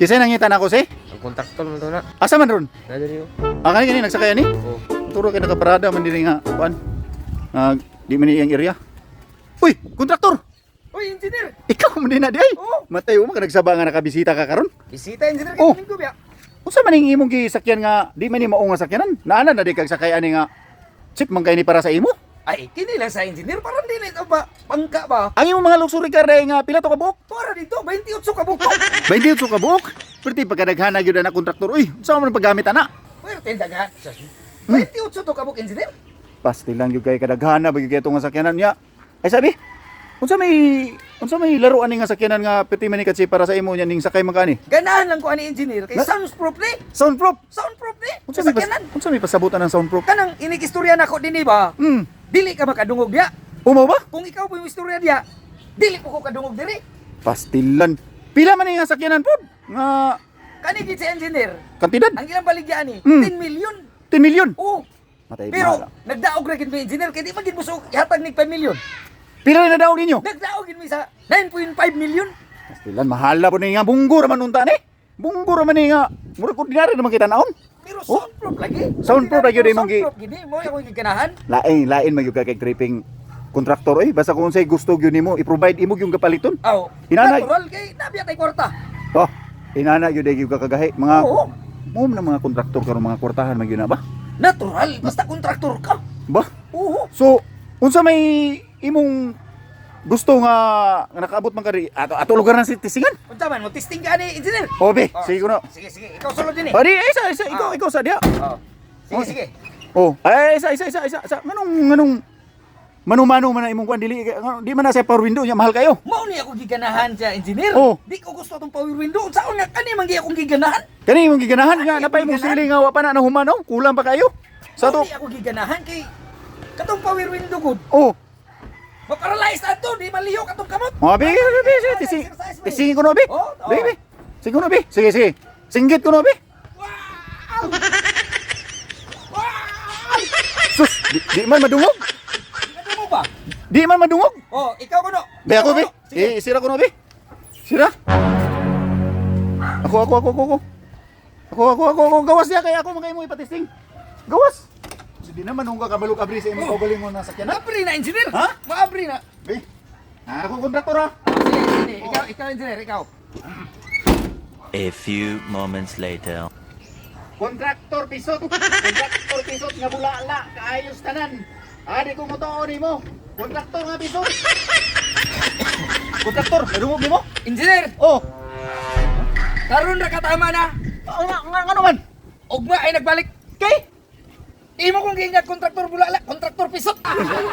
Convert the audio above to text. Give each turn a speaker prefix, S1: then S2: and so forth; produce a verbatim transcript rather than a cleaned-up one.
S1: Kisay nangitan ako si?
S2: Ang kontraktor mo to na.
S1: Asa man ron?
S2: Nadali ko.
S1: Ah, kani kani nagsakay ani?
S2: Oo.
S1: Turo kay nakaparada man diri nga kuan. Ah, di man iyang area. Uy, kontraktor.
S2: Uy, engineer!
S1: Ikaw man din na di ay.
S2: Oo.
S1: Matay mo ka nagsaba nga nakabisita ka karon.
S2: Bisita, engineer,
S1: Oh.
S2: kaya ko biya.
S1: Unsa man ning imong gisakyan nga di man ni mao nga sakyanan? Naana na di kag sakay ani nga chip man kay ni para sa imo?
S2: Ay, kini lang sa engineer, parang dili ito ba, pangka ba?
S1: Ang imong mga luxury car day nga pila to ka buok?
S2: Para dito, twenty-eight ka buko.
S1: Baydi to ka buok. Perti pagkadaghana gyud na kontraktor. Uy, unsa man paggamit ana?
S2: Pwerte daga. twenty-eight to ka buko, engineer.
S1: Pastilan gyud kay kadaghana bagi kay nga sakyanan niya. Ay sabi, unsa may unsa may laro ani nga sakyanan nga perti man ni kasi para sa imo nya ning sakay man kani?
S2: Ganahan lang ko ani engineer, kay
S1: Na-
S2: soundproof ni.
S1: Soundproof.
S2: Soundproof ni.
S1: Unsa
S2: Sa
S1: may pas,
S2: sakyanan.
S1: unsa may pasabutan ng soundproof?
S2: Kanang inikistorya nako dinhi ba?
S1: Hmm.
S2: Dili ka makadungog diya.
S1: Umaw ba?
S2: Kung ikaw po yung istorya diya, dili ko ko kadungog diri.
S1: Pastilan. Pila man ni nga sakyanan pod? Nga
S2: Kani gid si engineer.
S1: kantidad?
S2: Ang ilang baligyan ni,
S1: Mm.
S2: ten million.
S1: ten million.
S2: Oo.
S1: Matay
S2: Pero
S1: mahal.
S2: nagdaog ra gid mi engineer kay di man gid musog ihatag nig five million.
S1: Pila na daw ninyo?
S2: Nagdaog gid mi sa nine point five million.
S1: Pastilan mahala po ni nga bunggo ra man unta ni. Bunggo ra man ni nga murag ordinary naman kita naon.
S2: Pero
S1: Oh.
S2: soundproof lagi.
S1: Soundproof lagi, di mo gi-
S2: Soundproof gid mo ako giganahan.
S1: Lain lain magyud ka kay tripping kontraktor eh basta kung unsay gusto gyud nimo i-provide imo yung kapaliton.
S2: Aw.
S1: Hinanay.
S2: Natural kay nabiya tay kwarta.
S1: Oh, inana gyud gyud ka kagahi mga
S2: Oo.
S1: mo na mga kontraktor karon mga kwartahan man gyud na ba?
S2: Natural basta kontraktor ka.
S1: Ba?
S2: Oo.
S1: So, unsa may imong gusto nga, nga nakaabot man ka ri ato ato lugar ng tisingan?
S2: Unsa man mo testing ka ni engineer?
S1: Obe,
S2: Oh,
S1: sige kuno.
S2: Sige sige, ikaw sulod din eh.
S1: Adi, isa isa ikaw
S2: Ah.
S1: ikaw sa dia.
S2: Oh. Sige
S1: Oh.
S2: sige.
S1: Oh, ay isa isa isa isa. isa. Nganong nganong mano-mano man na imong kuan dili nga- di man na sa power window nya mahal kayo.
S2: Mao ni ako giganahan sa engineer.
S1: Oh.
S2: Di ko gusto tong power window. Unsaon nga kani man gi akong giganahan?
S1: Kani imong giganahan nga
S2: Ay,
S1: napay mo
S2: giganahan?
S1: sili nga wa pa na nahumano, kulang pa kayo. Sa
S2: Mao
S1: to.
S2: ni ako giganahan kay katong power window gud.
S1: Oh,
S2: Maparalyze na to, di maliyo katong kamot.
S1: mga bi, bi, bi, sige, tising, tisingin ko no, bi.
S2: Oh, oh.
S1: Bi, bi. Sige ko no, bi. Sige, sige. Singgit ko no, bi.
S2: Wow! Wow!
S1: Sus, di, di man madungog.
S2: Ano mo ba?
S1: Di man madungog.
S2: Oh, ikaw ko no.
S1: Bi ako, bi.
S2: Sige.
S1: Eh, sira ko no, bi. Sira. Ako, ako, ako, ako, ako. Ako, ako, ako, ako. Gawas niya, kaya ako magay mo ipatisting. Gawas. So, di naman nung kabalok abri sa imong kaugaling mo na sakyan na.
S2: Maabri na engineer.
S1: Ha?
S2: Maabri na.
S1: Bi. Ah, ako kontraktor ha.
S2: Sige, sige. Ikaw, ikaw engineer, ikaw.
S3: A few moments later.
S1: Kontraktor pisot. Kontraktor pisot nga bulala. Kaayos tanan. Adi ko mo to mo. Kontraktor nga pisot. Kontraktor, nadungog ni mo?
S2: Engineer,
S1: Oh.
S2: karon ra katama na.
S1: Nga, nga, nga naman.
S2: Ugma ay nagbalik.
S1: Kay?
S2: Imo kong gingat kontraktor bulala, kontraktor pisot.